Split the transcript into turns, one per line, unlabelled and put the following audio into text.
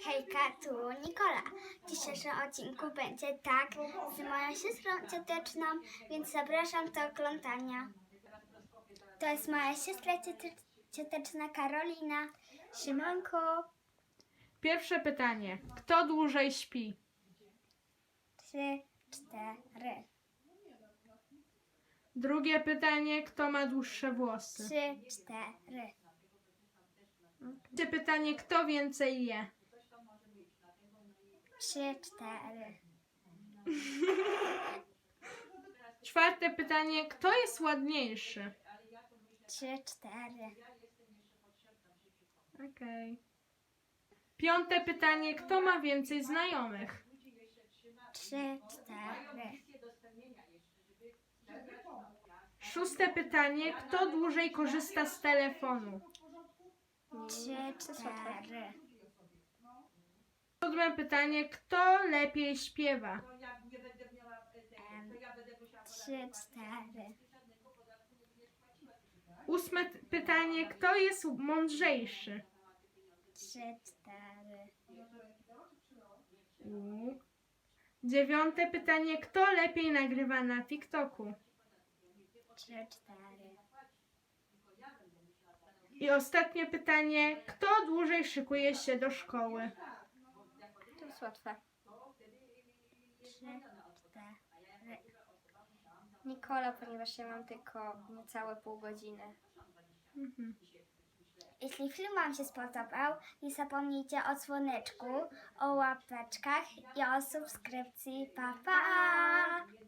Hejka, tu Nikola. W dzisiejszym odcinku będzie tak z moją siostrą cioteczną, więc zapraszam do oglądania. To jest moja siostra cioteczna Karolina. Siemanko.
Pierwsze pytanie. Kto dłużej śpi?
3, 4.
Drugie pytanie. Kto ma dłuższe włosy?
3, 4.
Trzecie pytanie. Kto więcej je?
3, 4.
Czwarte pytanie. Kto jest ładniejszy?
3, 4.
Okej. Piąte pytanie. Kto ma więcej znajomych?
3, 4.
Szóste pytanie. Kto dłużej korzysta z telefonu?
3, 4.
Siódme pytanie. Kto lepiej śpiewa?
3, 4.
Ósme pytanie. Kto jest mądrzejszy?
3, 4.
Dziewiąte pytanie. Kto lepiej nagrywa na TikToku?
3, 4.
I ostatnie pytanie. Kto dłużej szykuje się do szkoły?
To jest łatwe. 3, 4. Nikola, ponieważ ja mam tylko niecałe pół godziny. Jeśli film Wam się spodobał, nie zapomnijcie o dzwoneczku, o łapeczkach i o subskrypcji. Pa, pa!